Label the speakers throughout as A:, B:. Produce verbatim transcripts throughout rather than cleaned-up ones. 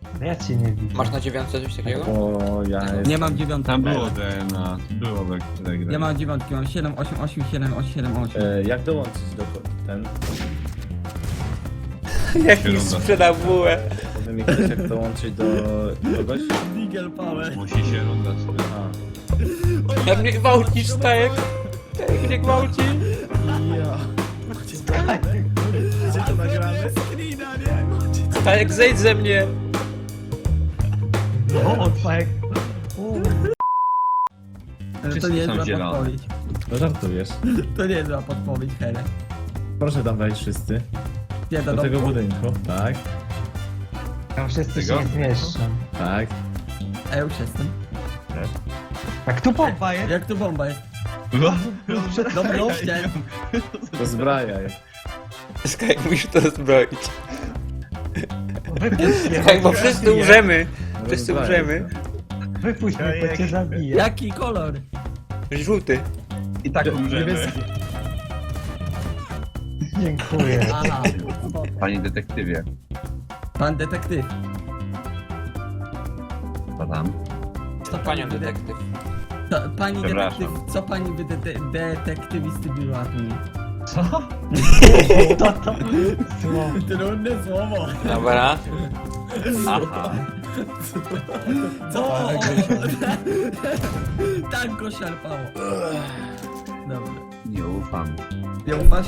A: Ja cię nie widzę.
B: Masz na dziewiątce coś takiego?
C: O, ja jestem...
D: Nie mam dziewiątki.
E: Tam było D N A, było we Telegram.
D: Ja mam dziewiątki, mam siedem, osiem, osiem, siedem, osiem, siedem, osiem.
C: E, jak dołączyć do ko- ten...
B: Jak mi
E: Kierunka.
B: sprzedał bułę.
C: Powiem mi ktoś jak dołączyć do kogoś?
D: Nigel Power.
E: Musi się runda spytać.
C: A.
B: Jak mnie gwałcisz, Stajek? Jak mnie gwałci?
C: Ja. Gdzie to nagramy?
B: Stajek, zejdź ze mnie!
A: No, tak.
D: To
E: Wszyscy
D: nie
E: są
D: jest zła
E: zielone.
D: podpowiedź.
C: No żartujesz.
D: To nie jest zła podpowiedź, Hele.
C: Proszę tam wejść wszyscy.
D: Nie,
C: Do
D: do
C: tego
D: domu.
C: budynku. Tak,
A: Tam wszyscy się
E: Tego?
A: nie zmieszczą.
C: tak.
D: A ja już jestem.
A: Tak tu pompa jest.
D: Jak tu bomba jest?
E: No,
D: Dobra, idźcie.
C: Rozbrajaj.
B: Stajek, musisz to zbroić.
A: Wypuść mnie,
B: Stajek, bo
A: bo cię
B: wszyscy
A: zabiję.
B: umrzemy. Wszyscy
C: Rozbrajaj
B: umrzemy.
C: to.
A: Wypuść mnie, bo cię zabiję.
D: Jaki kolor?
B: Żółty.
E: I tak umrzemy.
C: Niebieski.
A: Dziękuję.
D: Aha.
E: Panie detektywie,
D: Pan detektyw.
E: co tam?
D: Co
B: Panią
D: pani
B: detektyw.
D: Co, pani
E: Przepraszam.
D: detektyw, co pani by de- detektywisty była tu?
A: Co? To to? Słowo.
D: Trudne słowo.
B: Dobra.
E: Aha.
D: Co? Tak go szarpało. Dobra.
E: Nie ufam.
D: Nie ufasz?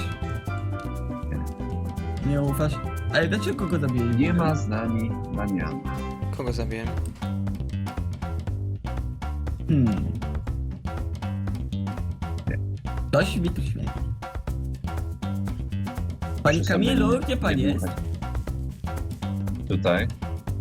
D: Nie ufasz? Ale dlaczego go zabiję?
E: Nie ma z nami Damiana.
B: Kogo zabiłem?
D: Hmm. Coś mi tu śmieje. Panie
E: Muszę
D: Kamilu,
E: sobie
D: gdzie pan
E: nie
D: jest?
E: dmuchać. Tutaj.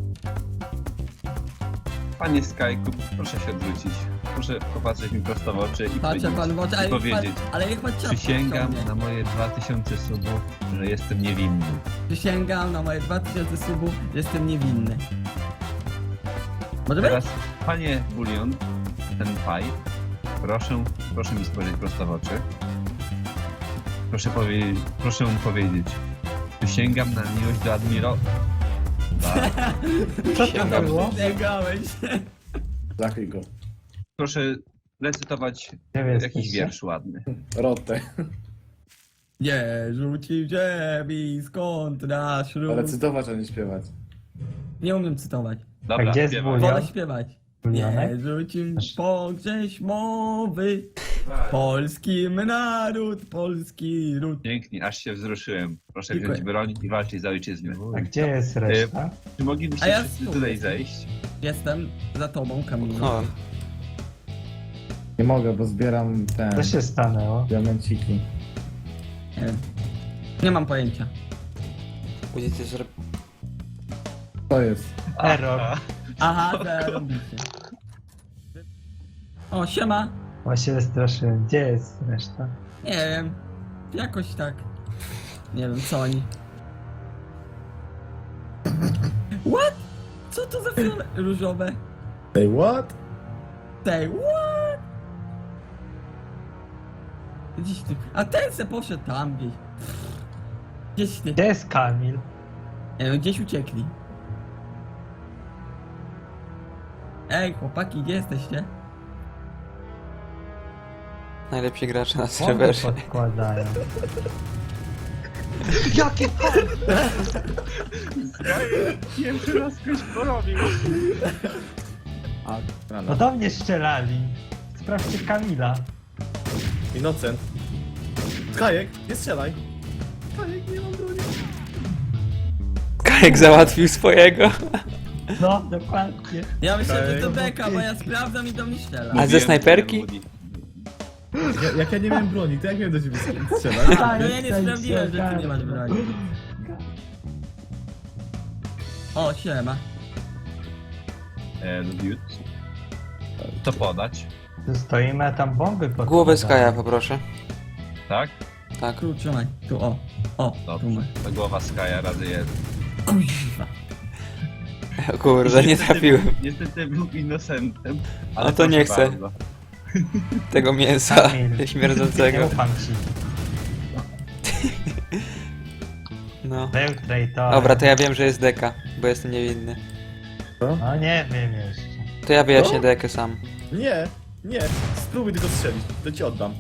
E: Panie Skyku, proszę się odwrócić. Proszę popatrzeć mi prosto w oczy i
D: Patrzę
E: powiedzieć,
D: pan w oczy,
E: i
D: ale, pan,
E: powiedzieć
D: ale jak pan czapkę
E: przysięgam
D: ściągnie.
E: na moje dwa tysiące subów, że jestem niewinny.
D: Przysięgam na moje dwa tysiące subów, jestem niewinny. Może być?
E: Teraz, panie Bulion, ten paj, proszę, proszę mi spojrzeć prosto w oczy. Proszę, powie, proszę mu powiedzieć, przysięgam na miłość do admiro... Tak.
A: Co to
B: Sięgam.
A: było?
D: Przysięgałeś.
C: Zakryj go.
E: Proszę recytować
A: Gdzie wy
E: jakiś
A: jesteście?
E: wiersz ładny.
C: Rotę.
D: Nie rzucił ziemi, skąd nasz ród?
C: Recytować, a nie śpiewać.
D: Nie umiem cytować.
E: Dobra,
A: A gdzie jest
E: śpiewaj.
A: Bulion?
D: Wolę śpiewać.
A: Bulionek?
D: Nie rzucił pogrześ mowy, polski naród, polski ród.
E: Pięknie, aż się wzruszyłem. Proszę
D: Dziękuję.
E: wziąć broń i walczyć za ojczyznę.
A: A gdzie jest reszta?
E: Czy moglibyście
D: A ja
E: wszyscy
D: tu.
E: tutaj zejść?
D: Jestem za tobą, Kamilu.
B: No.
C: Nie mogę, bo zbieram ten...
A: Co się stanęło?
C: Diamenciki.
D: Nie wiem. Nie mam pojęcia.
B: Będzie ty zrobił.
C: To jest.
A: Error.
D: Aha, zarobicie. O, siema.
A: Właśnie wystraszyłem. Gdzie jest reszta?
D: Nie wiem. Jakoś tak. Nie wiem, co oni. What? Co to za fiole różowe?
C: Say what?
D: Tej, what? Gdzieś ty. A ten se poszedł tam gdzieś. Gdzieś ty.
A: Gdzie jest Kamil?
D: Nie wiem, gdzieś uciekli. Ej, chłopaki, gdzie jesteście?
B: Najlepsi gracze na
A: Bomby
B: serwerze.
A: podkładają.
E: Jakie to? Pierwszy raz ktoś porobił.
C: A,
A: No
C: rano.
A: do mnie strzelali. Sprawdźcie Kamila.
C: Innocent. Skajek, nie strzelaj. Skajek, nie mam broni.
B: Kajek załatwił swojego.
A: No, dokładnie.
D: Ja myślę, że to
C: Ej.
D: beka, bo ja sprawdzam i do mnie strzela.
B: A ze snajperki?
C: Ja, jak ja nie miałem broni, to jak miałem do ciebie strzelać?
D: A, no ja nie sprawdziłem, że ty nie masz broni. O, siema.
E: E, Lubiut. Co podać?
A: Tu stoimy, a tam bomby podkładają.
B: Głowę Skaja poproszę.
E: Tak?
B: Tak.
D: Tu, trzymaj. Tu, o. O, tu
E: Dobrze.
D: masz.
E: To głowa Skaja razy jeden.
D: Kuźwa.
B: O kurde, nie
E: Niestety
B: trafiłem.
E: był- Niestety był innocentem. Ale
B: A to
E: proszę
B: nie chcę.
E: bardzo.
B: Tego mięsa
A: Kamil. Nie
B: śmierdzącego.
A: ufam ci.
B: No.
A: Był traitor.
B: Dobra, to ja wiem, że jest deka, bo jestem niewinny.
A: No nie wiem jeszcze.
B: To ja wyjaśnię
C: No.
B: dekę sam.
C: Nie, nie. Spróbuj tylko strzelić, to ci oddam.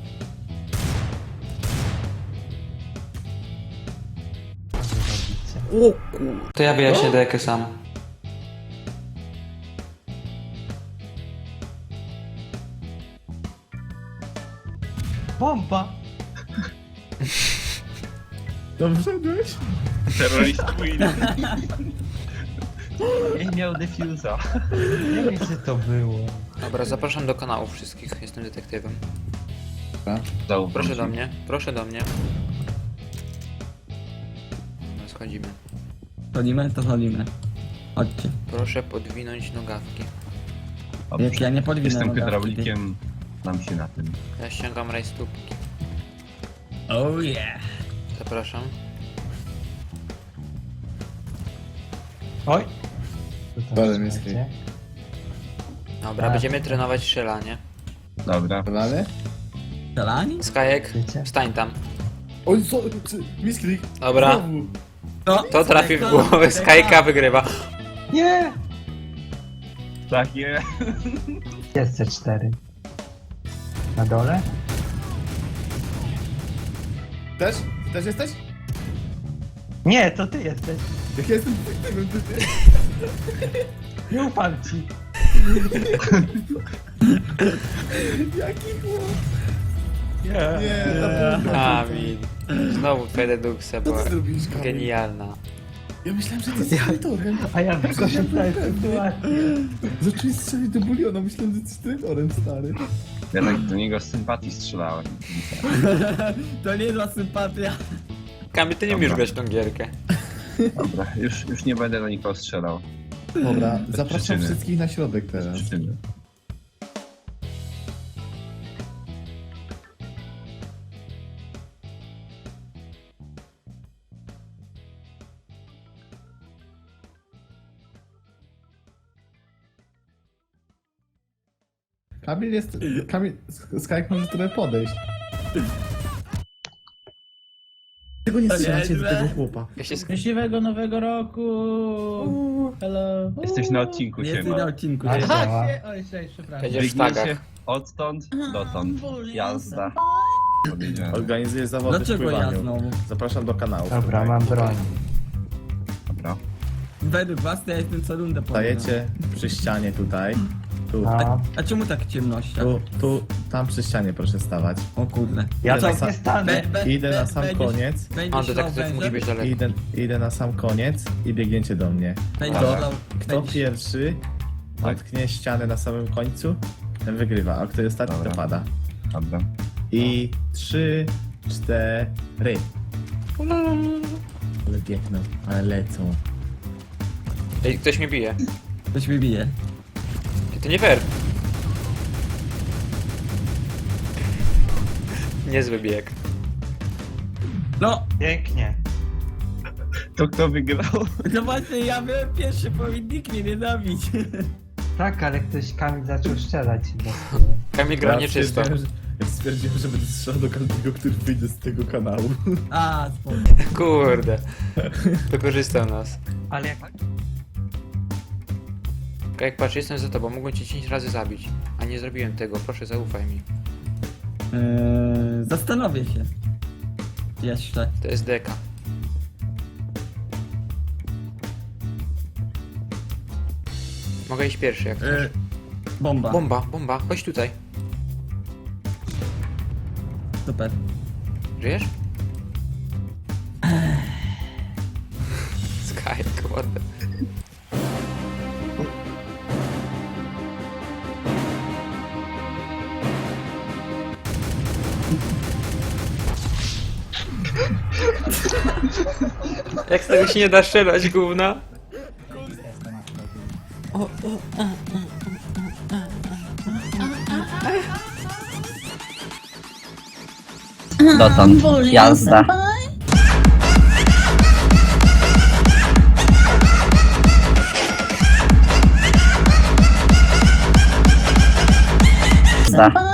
A: Co wy robicie?
B: To ja wyjaśnię
C: No.
B: dekę sam.
A: Bomba!
C: Dobrze byłeś?
E: Terrorist Queen. Nie miał defuza.
A: Nie wiem, co to było.
B: Dobra, zapraszam do kanału wszystkich. Jestem detektywem.
E: Zaufam
B: Proszę
E: ci.
B: do mnie, proszę do mnie. Dobra, schodzimy.
D: Chodzimy, to chodzimy. Chodźcie.
B: Proszę podwinąć nogawki.
E: Dobrze.
D: Jak ja nie podwinę
E: Jestem
D: nogawki,
E: hydraulikiem, znam się na tym.
B: Ja ściągam rajstopki.
D: ty. Oh yeah.
B: Zapraszam.
A: Oj! Co tam
C: Dalej,
A: się
C: miejski.
A: dzieje?
B: Dobra,
A: Tak.
B: będziemy trenować strzelanie.
E: Dobra.
C: Podany?
D: Strzelani?
B: Skajek,
A: Wiecie?
B: wstań tam.
C: Oj, co? Misklik.
B: Dobra,
C: Znowu.
D: No,
B: to trafi w
D: to-
B: głowę.
D: to-
B: Skajka wygrywa.
A: Nie!
E: Tak, je.
A: Jest C cztery. Na dole?
C: Też? Też jesteś?
A: Nie, to ty jesteś.
C: Jak ja jestem detektywem, to ty.
A: Nie ufam ci.
C: Jaki chłop?
A: Nie.
C: Nie, ta bomba.
B: Kamil. Znowu twoja dedukcja
C: Co
B: była
C: ty zrobiłeś, Kamil?
B: genialna.
C: Ja myślałem, że ty jesteś traitorem.
A: A ja wykorzystałem sytuację.
C: Zacząłeś strzelić do buliona, myślałem, że jesteś traitorem, stary.
E: Ja tak do niego z sympatii strzelałem.
D: To nie dla sympatia.
B: Kamil, ty nie
E: Dobra.
B: umiesz grać w tą gierkę.
E: Dobra, już, już nie będę do nikogo strzelał.
C: Dobra,
E: Bez
C: zapraszam
E: przyczyny.
C: wszystkich na środek
E: Bez
C: teraz.
E: przyczyny.
C: Kamil jest... Kamil... Skajek może trochę podejść. Tego nie strzelacie do tego chłopa.
B: Ja się sk-
F: Szczęśliwego nowego roku! Hello!
E: Jesteś na odcinku,
D: Nie jesteś na
E: siema.
D: odcinku.
A: A,
D: nie.
A: działa.
F: Aha, się... Oj, cześć, przepraszam.
B: Będzie w
E: Biegniecie
B: sztagach.
E: odtąd dotąd. Jazda. Powiedziałem.
C: Organizuję zawody w
D: Dlaczego ja
C: pływaniu.
D: znowu?
C: Zapraszam do kanału.
A: Dobra, mam broń.
E: Dobra.
D: Według was to ja jestem co rundę powiem.
C: Stajecie przy ścianie tutaj. Tu,
A: No.
D: A czemu tak ciemnościach?
C: tu, tu, tam przy ścianie proszę stawać.
D: O kurde.
A: Ja
C: Idę
A: tak
C: na
A: nie
C: sam-
A: stanę.
D: Be- be-
C: Idę na
D: be-
C: sam
D: będziesz-
C: koniec.
B: A,
D: Będziesz szlał
B: detektyw musi
D: wężem?
B: być daleko.
C: Idę, idę na sam koniec i biegniecie do mnie.
D: Będziesz
C: Dobra.
D: szlał...
C: Kto
D: będziesz-
C: pierwszy
E: Tak.
C: dotknie ścianę na samym końcu, ten wygrywa, a kto ostatni
E: Dobra.
C: to pada.
E: Dobra.
C: I trzy, cztery. Ale biegną, ale lecą.
B: Ej, ktoś mnie bije.
D: Ktoś mnie bije.
B: Ej, to nie fair. Niezły bieg.
D: No!
A: Pięknie.
E: To kto wygrał?
D: No właśnie, ja byłem pierwszy, powinien nikt mnie nienawidzić.
A: Tak, ale ktoś Kamil zaczął strzelać.
B: Kamil gra nieczysto.
C: stwierdziłem, że- Ja stwierdziłem, że będę strzelał do każdego, który wyjdzie z tego kanału.
D: A, spoko.
B: Kurde. Wykorzystał nas.
A: Ale jak...
B: Jak patrz, jestem za tobą, mogłem cię dziesięć razy zabić. A nie zrobiłem tego, proszę zaufaj mi.
D: Eee, zastanowię się. Jeszcze.
B: To jest deka. Mogę iść pierwszy jak chcesz.
D: Eee, bomba.
B: Bomba, bomba, chodź tutaj.
D: Super.
B: Żyjesz? Sky, kurde. Jak z tego się nie da strzelać, gówna?
G: Dotąd. Jazda. Jazda.